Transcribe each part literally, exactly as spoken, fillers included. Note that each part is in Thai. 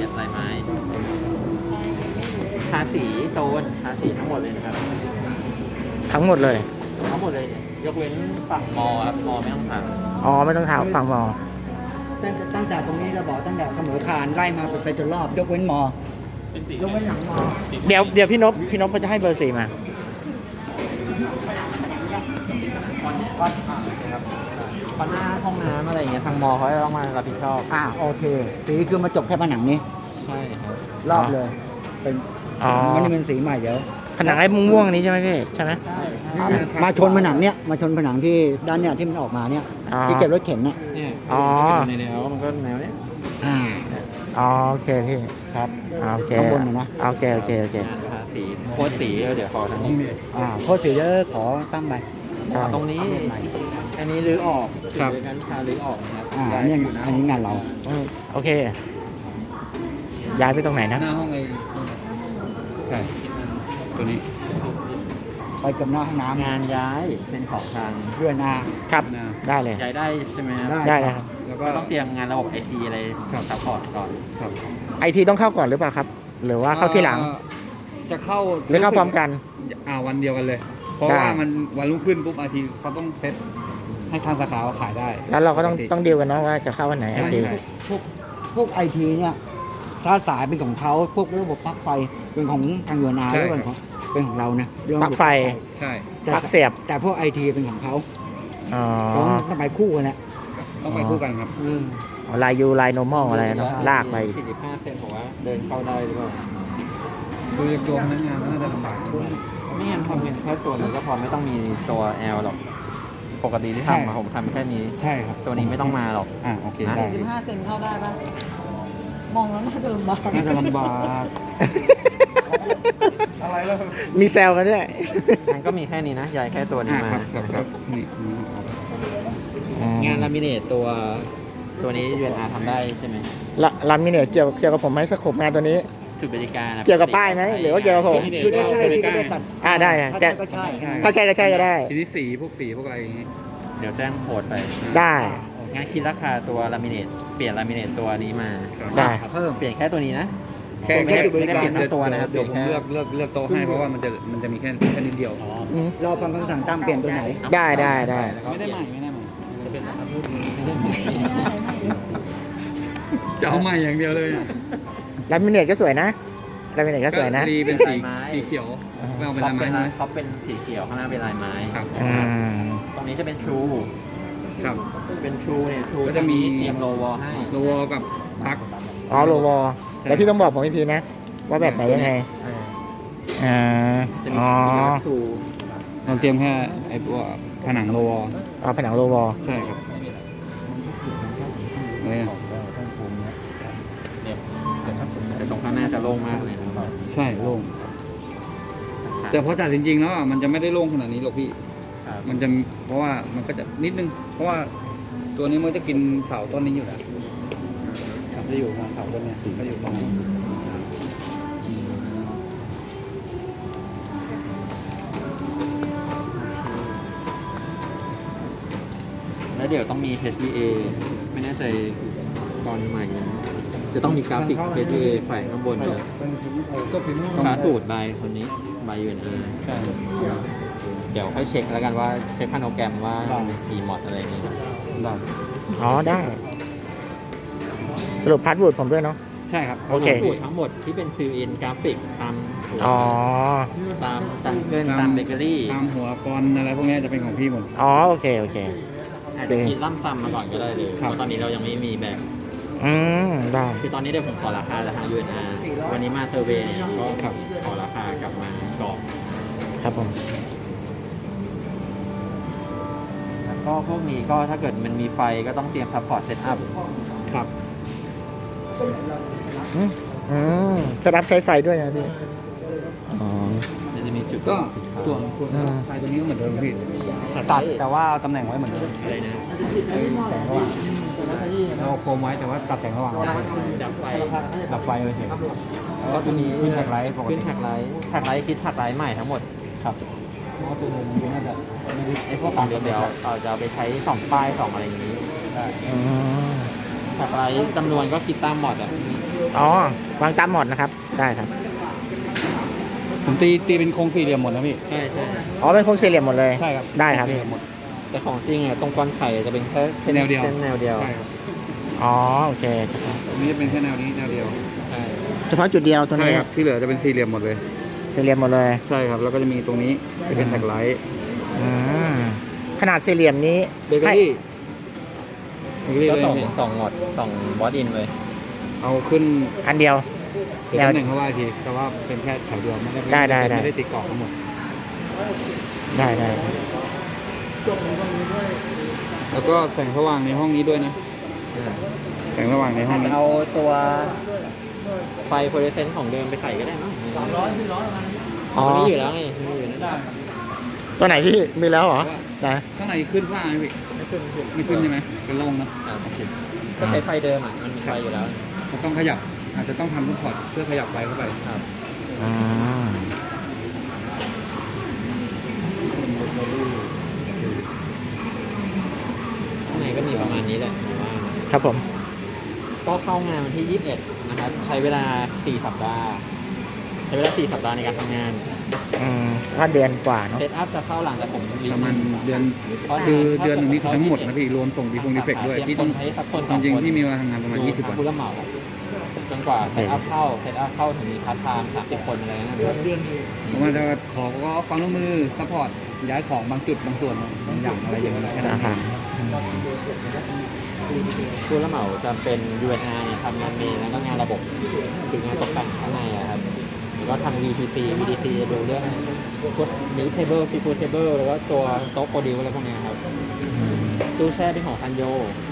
ลี่ยนลายไม้ทาสีโซนทาสีทั้งหมดเลยนะครับทั้งหมดเลยทั้งหมดเลยเนี่ยยกเว้นฝั่งมอครับมอไม่ต้องทำอ๋อไม่ต้องถามฝั่งมอตั้งแต่ตั้งแต่ตรงนี้เราบอกตั้งแต่เสมอคานไล่มาไปจนรอบยกเว้นมอเป็นสียกเว้นหลังมอเดี๋ยวเดี๋ยวพี่นพพี่นพก็จะให้เบอร์สี่มาคอนคอนอ่าครับคอนหน้าห้องน้ำอะไรอย่างเงี้ยทางมอเขาจะต้องมารับผิดชอบอ่าโอเคสีคือมาจบแค่ผนังนี้ใช่ครับรอบเลย เป็นอ๋อมันนี่เป็นสีใหม่เดี๋ยวผนังไอ้ม่วงๆนี้ใช่ไหมพี่ใช่ไหมมาชนผนังเนี้ยมาชนผนังที่ด้านเนี้ยที่มันออกมาเนี้ยอ๋อที่เก็บรถเข็นเนี่ยเนี่ยอ๋อมันในแนวมันก็แนวเนี้ยอ่าอ๋อโอเคพี่ครับอ๋อโอเคข้างบนน่ะนะโอเคโอเคโอเคงานทาสีโค้ดสีเดี๋ยวขอทางนี้อ่าโคตรสีเยอะขอตั้งไปได้ตรงนี้ อันนี้รื้อออกครับอการลูกค้ารื้อออกนะครับอ่าย้ายเนี่ยอยู่หอันนี้งานเราอืมโอเค ย้ายไปตรงไหนนะหน้าห้องไอ้ใช่ตัวนี้ไปกับหน้าห้องน้งานย้ายเป็นของทางำเพื่อนอาครับได้เลยย้ายได้ใช่ไหมครับได้เลยครับแล้วก็ต้องเตรียมงานระบบไอทีอะไรซัพพอร์ตก่อนครับไอทีต้องเข้าก่อนหรือเปล่าครับ หรือว่าเข้าที่หลังจะเข้าหรือเข้าพร้อมกันอ่าวันเดียวกันเลย เพราะได้ว่ามันวันรุ่งขึ้นปุ๊บอาทีเขาต้องเซ็ตให้ทางสาขาเขาขายได้แล้วเราก็ต้องต้องดีลกันเนาะว่าจะเข้าวันไหนไอใช่ทีใช่พวกพวกไอทีเนี่ยถ้าสายเป็นของเขาพวกระบบปลั๊กไฟเป็นของทางเงินอาแล้วเป็นของเป็นของเรานะเรื่องปลั๊กไฟใช่แต่ปลั๊กเสียบแต่พวกไอทีเป็นของเขาอ๋อต้องต้องไปคู่กันนะต้องไปคู่กันครับลายยูลายโนมอลอะไรเนาะลากไปสี่สิบห้าเซนผมว่าเดินเข้าได้หรือเปล่าดูจากตัวพนักงานน่าจะลำบากไม่งั้นทำเป็นแค่ตัวนี้ก็พอไม่ต้องมีตัว L หรอก ปกติที่ทำอะผมทำแค่นี้ใช่ครับตัวนี้ไม่ต้องมาหรอกอ่าโอเคนะได้สิบห้าเซนเข้าได้ปะมองแล้วน่าจะลำบากน่าจะลำบากมีแซวกันด้วยมันก็มีแค่นี้นะยายแค่ตัวนี้อ่ามาครับครับครับนี่นี่ครับงานลามิเนตตัวตัวนี้ยูเอ็นอาร์ทำได้ใช่ไหมละลามิเนตเกี่ยวเกี่ยวกับผมไหมสโคปงานตัวนี้จุดบริการนะเกี่ยวกับป้ายไหมหรือว่าเกี่ยวกับผมคือถ้าใช่พี่ก็ได้ตัดอ่าได้อะถ้าแต่ใช่ก็ใช่ถ้าใช่ก็ใช่ก็ได้ทีนี้สีพวกสีพวกอะไรอย่างงี้เดี๋ยวแจ้งโค้ดไปได้งานคิดราคาตัวลามิเนตเปลี่ยนลามิเนตตัวนี้มาได้ครับเพิ่มเปลี่ยนแค่ตัวนี้นะแค่ไม่แค่ได้จุดบไม่ริได้การเปลี่ยนทั้งตัวนะครับเดี๋ยวผมปลี่ยนเลืแค่อกเลือกเลือกโต๊ะให้เพราะว่ามันจะมันจะมีแค่แค่นิดเดียวอืมรอฟังคำสั่งตามเปลี่ยนตัวไหนได้ได้ได้ไม่ได้ใหม่ไม่ได้ใหม่จะเป็นจะเอาใหม่อย่างเดียวเลยอ่ะลามิเนตก็สวยนะลามิเนตก็สวยนะดีเป็นสีสีเขียวไม่เอาเป็นเขาลายเป็นไม้เขาเป็นสีเขียวข้างหน้าเป็นลายไม้ครับอืมตรงนี้จะเป็นชูครับเป็นชูเนี่ยชูก็จะมีเตรียมโลวอลให้โลวอลกับพักอ๋อโลวอแล้วพี่ต้องบอกผมอีกทีนะ ว่าแบบไหนยังไงเอออ่าจะมีอ๋อสีเขียวชูเราเตรียมแค่ไอ้ตัวผนังโลวอลอ๋อผนังโลวอใช่ครับเนี่ยเนี่ยแต่ตรงข้างหน้าจะโล่งมากเลยนะครับใช่โล่งแต่พอจัดจริงๆแล้วอ่ะมันจะไม่ได้โล่งขนาดนี้หรอกพี่ครับมันจะเพราะว่ามันก็จะนิดนึง เพราะว่าตัวนี้มันจะกินเสาต้นนี้อยู่แล้วครับจะอยู่ทางเสาต้นเนี้ยก็อยู่ตรงนี้แล้วเดี๋ยวต้องมี เอช วี เอ ไม่แน่ใจตอนใหม่มันจะต้องมีกราฟิก เอช วี เอ แขวนข้างบนเดี๋ยวก็ฟิล์มต้องสูตรใบคนนี้ใบยูเอ็นเอใช่เดี๋ยวค่อยเช็คแล้วกันว่าเช็คพาโนแกรมว่ามีมอดอะไรอย่างเงี้ยได้อ๋อได้ สรุปพาสเวิร์ดผมด้วยเนาะใช่ครับโอเคสูตรทั้งหมดที่เป็นฟิลอินกราฟิกตามอ๋อตามจังเกิลตามเบเกอรี่ตามหัวกรอะไรพวกนี้จะเป็นของพี่หมดอ๋อโอเคโอเคอาจจะคิดล่ำซ้ำมาก่อนก็ได้เลยเพครับราะตอนนี้เรายังไม่มีแบบอืมได้คือตอนนี้เดี๋ยวผมขอราคาจากทาง ยู เอ็น อาร์ วันนี้มาเซอร์เวย์เนี่ยก็ครับขอราคากลับมาก่อนครับผมแล้วก็พวกนี้ก็ถ้าเกิดมันมีไฟก็ต้องเตรียมซัพพอร์ตเซตอัพครับอืมอืมจะรับใช้ไฟด้วยนะพี่ อ๋อมันจะมีจุดก็ส่วนอืมไฟตัวนี้ก็เหมือนเดิมพี่ตัดแต่ว่าตำแหน่งไว้เหมือนเดิมอะไรนะไอ้แสงระหว่างเราโคมไว้แต่ว่าตัดแสงระหว่างไว้ดับไฟดับไฟเลยเฉยแล้วก็ตัวนี้ขึ้นแท็กไลท์ปกขึ้ตินแท็กไลท์แท็กไลท์คิดแท็กไลท์ใหม่ทั้งหมดครับเพราะว่าตัวนึงมันน่าจะไม่ได้ไอ้พวกของเดี๋ยวเดี๋ยวเราจะเอาไปใช้สองป้ายสองอะไรอย่างนี้ได้อืมแท็กไลท์จำนวนก็คิดตามหมดอ่ะอ๋อวางตามหมดนะครับได้ครับผมตีตีเป็นโครงสี่เหลี่ยมหมดนะพี่ใช่ใช่อ๋อเป็นโครงสี่เหลี่ยมหมดเลยใช่ครับได้ครับโงพี่สี่เหลี่ยมหมดแต่ของจริงอ่ะตรงก้อนไข่จะเป็นแค่ส้แนวเดียวส้นแนวเดียวใช่ครับอ๋อโอเคตรงนี้จะเป็นแค่แนวนี้แนวเดียวใช่เฉพาะจุดเดียวตัวใช่นี้ครับที่เหลือจะเป็นสี่เหลี่ยมหมดเลยสี่เหลี่ยมหมดเลยใช่ครับแล้วก็จะมีตรงนี้จะเป็นแท็กไลท์อืมขนาดสี่เหลี่ยมนี้เบเกอรี่เบเกอรี่ก็เลยส่งพี่ส่งหมดส่งบอสอินเลยเอาขึ้นอันเดียวเป็นตำแหน่งเขาว่าอีกทีแต่ว่าเป็นแค่แถวเดียวไม่ได้ได้ได้ได้ไม่ได้ติดเกาะทั้งหมดได้ได้แล้วก็แสงสว่างในห้องนี้ด้วยนะแสงสว่างในห้องนี้เอาตัวไฟโฟลอเรสเซนต์ของเดิมไปใส่ก็ได้มั้งสามร้อยสี่ร้อยอ๋อมันมีอยู่แล้วไงมันมีอยู่นั่นตัวไหนพี่มีแล้วเหรอได้ข้างในขึ้นฟ้าไหมพี่ไม่ขึ้นไม่ขึ้นไม่ขึ้นใช่ไหมเป็นโล่งนะอ่าโอเคก็ใช้ไฟเดิมอ่ะมันมีไฟอยู่แล้วเราต้องขยับอาจจะต้องทำทุกพอร์ตเพื่อขยับไฟเข้าไปครับอืมข้างในก็มีประมาณนี้แหละผมว่าครับผมก็เข้างานวันที่ยี่สิบเอ็ดนะครับใช้เวลาสี่สัปดาห์ใช้เวลาสี่สัปดาห์ในการทำงานอืมก็เดือนกว่าเนาะเซตอัพจะเข้าหลังจากผมประมาณเดือนคือเดือนหนึงนี้ทั้งหมดนะพี่รวมส่งดีฟงดีเฟกด้วยที่ต้องให้สักคนจริงๆที่มีเวลาทำงานประมาณยี่สิบวันผู้รับเหมาจนกว่าเซตอัพเข้าเซตอัพเข้าถึงมีพาร์ทไทม์สามสิบคนอะไรนั่นนะผมว่าจะขอความร่วมมือซัพพอร์ตย้ายของบางจุดบางส่วนบางอย่างอะไรอย่างเงี้ยแค่นั้นอ่าเอฮะงผู้รับเหมาจะเป็น ยู เอ็น อาร์ เนี่ยทำงานเมนแล้วก็งานระบบคืองานตกแต่งข้างในอะครับแล้วก็ทำ วี ที ซี วี ดี ซี จะดูเรื่องพวกมิวเทเบิลซีฟูดเทเบิลแล้วก็ตัวโต๊ะโปรดิวอะไรพวกเนี้ยครับตู้แช่เป็นของซันโย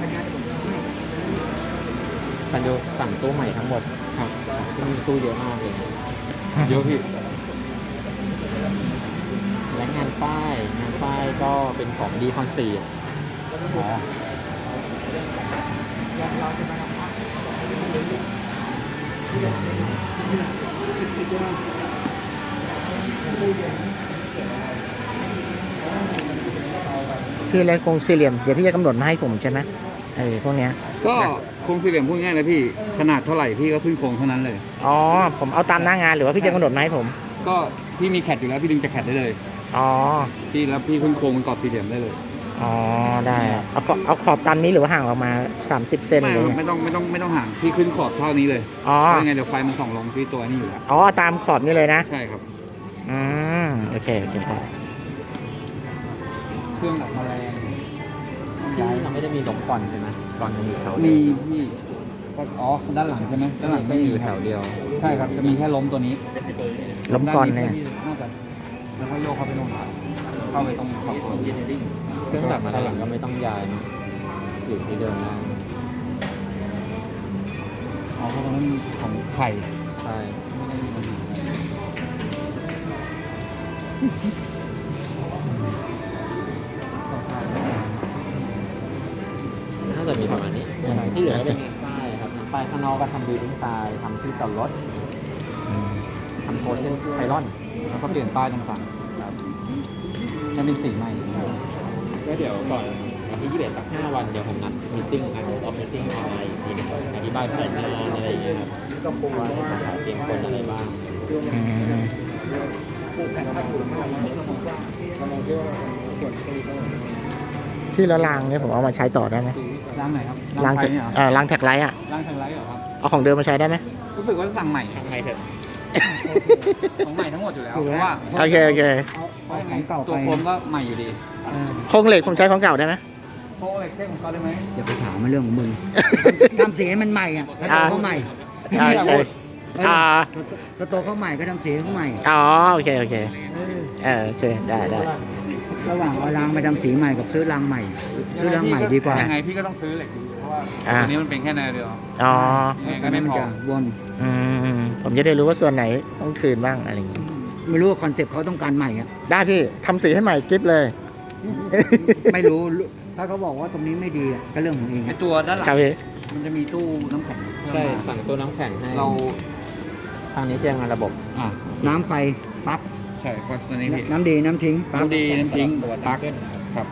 ซันโยสั่งตู้ใหม่ทั้งหมดครับที่มีตู้เยอะมากเลยเยอะพี่และงานป้ายงานป้ายก็เป็นของดีคอนซีอ๋อคืออะไรโครงสี่เหลี่ยมเดี๋ยวพี่จะกำหนดมาให้ผมใช่ไหมไอ้พวกเนี้ยก็โครงสี่เหลี่ยมพูดง่ายเลยพี่ขนาดเท่าไหร่พี่ก็ขึ้นโครงเท่านั้นเลยอ๋อผมเอาตามหน้างานหรือว่าพี่จะกำหนดมาให้ผมก็พี่มีแคดอยู่แล้วพี่ดึงจากแคดได้เลยอ๋อพี่แล้วพี่ขึ้นโครงเป็นกรอบสี่เหลี่ยมได้เลยอ๋อได้เอาขอบเอาขอบตามนี้หรือว่าห่างออกมาสามสิบเซนไม่เลยไม่ต้องไม่ต้องไม่ต้องห่างพี่ขึ้นขอบเท่านี้เลยอ๋อเพราะยังไงเดี๋ยวไฟมันส่องลงที่ตัวนี้อยู่แล้วอ๋อตามขอบนี้เลยนะใช่ครับอืมโอเคโอเคได้เครื่องดับแมลงย้ายเราไม่ได้มีหลงก่อนใช่ไหมก่อนมันมีแถวมีพี่ก็อ๋อด้านหลังใช่ไหมด้านหลังไม่ไม่มีมีแถวเดียวใช่ครับจะมีแค่ล้มตัวนี้ล้มก่อนเนี่ยน่าจะแล้วก็โยกเข้าไปโน่นเข้าไปตรงขอบตัวเครื่องดับอะไรก็ไม่ต้องย้ายเนอะอยู่ที่เดิมได้อ๋อเพราะตรงนั้นมีของไข่ใช่น่าจะมีประมาณนี้ที่เหลือก็เป็นงานป้ายครับงานป้ายข้างนอกก็ทำบิลดิ้งทรายทำที่จอดรถอืมทำโทนเช่นไพลอนแล้วก็เปลี่ยนป้ายต่างครับๆให้เป็นสีใหม่ก็เดี๋ยวก่อนวันที่ยี่สิบเอ็ดสักห้าวันเดี๋ยวผมนัดมีติ้งอันออฟมิติ้งออนไลน์อีกทีหนึงอธิบายแผนงานอะไรอย่างเงี้ยครับว่าให้สาขาเตรียมคนอะไรบ้างอืมที่ละรางเนี่ยผมเอามาใช้ต่อได้ไหมร้านไหนครับรางไฟแท็กเนี่ยเหรอเอ่อรางแท็กไลท์อ่ะร้านทางไรเหรอครับเอาของเดิมมาใช้ได้ไหมรู้สึกว่าสั่งใหม่ทำไงเถอะของใหม่ทั้งหมดอยู่แล้วเพราะว่าโอเคโอเคเพราะของเก่าตัวโคมก็ใหม่อยู่ดีโครงเหล็กผมใช้ของเก่าได้ไหมโคมเหล็กเส้นของเขาได้ไหมอย่าไปถามมันเรื่องของมึง ทำสีให้มันใหม่อ่ะถ้าโตเขาใหม่อ่าโอเคอ่าถ้าโตเขาใหม่ก็ทำสีให้เขาใหม่อ๋อโอเคโอเคเออโอเคได้ได้ระหว่างเอารางไปทำสีใหม่กับซื้อรางใหม่ ซื้อรางใหม่ดีกว่ายังไงพี่ก็ต้องซื้อเหล็กดีเพราะว่าอ่าตัวนี้มันเป็นแค่แนวเดียวอ๋อยังไงก็ก็ไม่มันพอจะวนอืมผมจะได้รู้ว่าส่วนไหนต้องคืนบ้างอะไรอย่างงี้ไม่รู้ว่าคอนเซ็ปต์เขาต้องการใหม่อ่ะได้พี่ทำสีให้ใหม่กิฟเลยไม่รู้ ถ้าเขาบอกว่าตรงนี้ไม่ดีอะก็เรื่องของเองไออะตัวด้านหลัครับงพี่มันจะมีตู้น้ำแข็งใช่สั่งตัวน้ำแข็งให้เราทางนี้แจ้งงานระบบอ่าน้ำไฟปั๊บใช่ครับตัวนี้พี่น้ำดีน้ำทิ้งปั๊บน้ำดีน้ำทิ้งปลั๊กครับ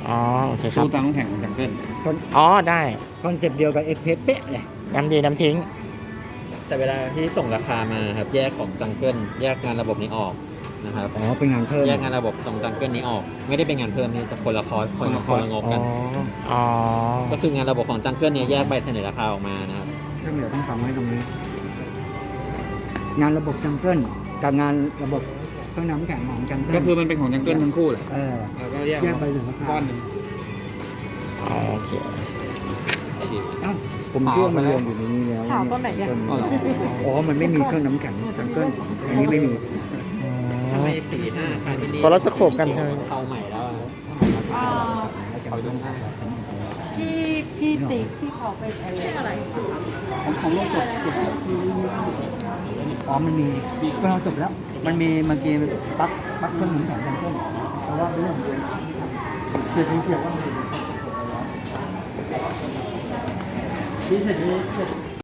อ๋อโอเคครับตู้ตังน้ำแข็งของจังเกิลอ๋อได้คอนเซปต์เดียวกับเอ็กเพสเป๊ะเลยน้ำดีน้ำทิ้งแต่เวลาที่ส่งราคามาครับแยกของจังเกิลแยกงานระบบนี้ออกนะครับอ๋อเป็นงานเพิ่มแยกงานระบบส่งจังเกิลนี้ออก ไม่ได้เป็นงานเพิ่มนี่จะคนละคอร์สคนละคนละงบอ๋อกันอ๋อก็คืองานระบบของจังเกิลเนี่ยแยกใบเสนอราคาออกมานะครับช่างเดี๋ยวต้องฟังไว้ตรงนี้ งานระบบจังเกิลกับงานระบบเครื่องน้ำแข็งของจังเกิลก็คือมันเป็นของจังเกิลทั้งคู่แหละเออแล้วก็แยกแยกไปถึงราคาก้อนหนึ่งอ๋อโอเคเอ้าผมเชื่อมันรวมอยู่ในนี้แล้วข่าวต้นไหนเนี่ยอ๋อเหรออ๋อมันไม่มีเครื่องน้ำแข็งจังเกิลอันนี้ไม่มีทำไมสี่ห้าคันที่นี่คนละสโคปกันใช่ไหมเข้าใหม่แล้วอะอ่าเขายุ่งมากพี่พี่ติ๊กที่เขาเป็นอะไรของของลงจบจบอ๋อมันมีก็เราจบแล้ว มันมีเมื่อกี้ปลั๊กปลั๊กเครื่องหมุนแข็งจังเกิลแต่ว่าเป็นเรื่องของเสียงเสียงว่ามันเป็นที่เสร็จนี้เสร็จ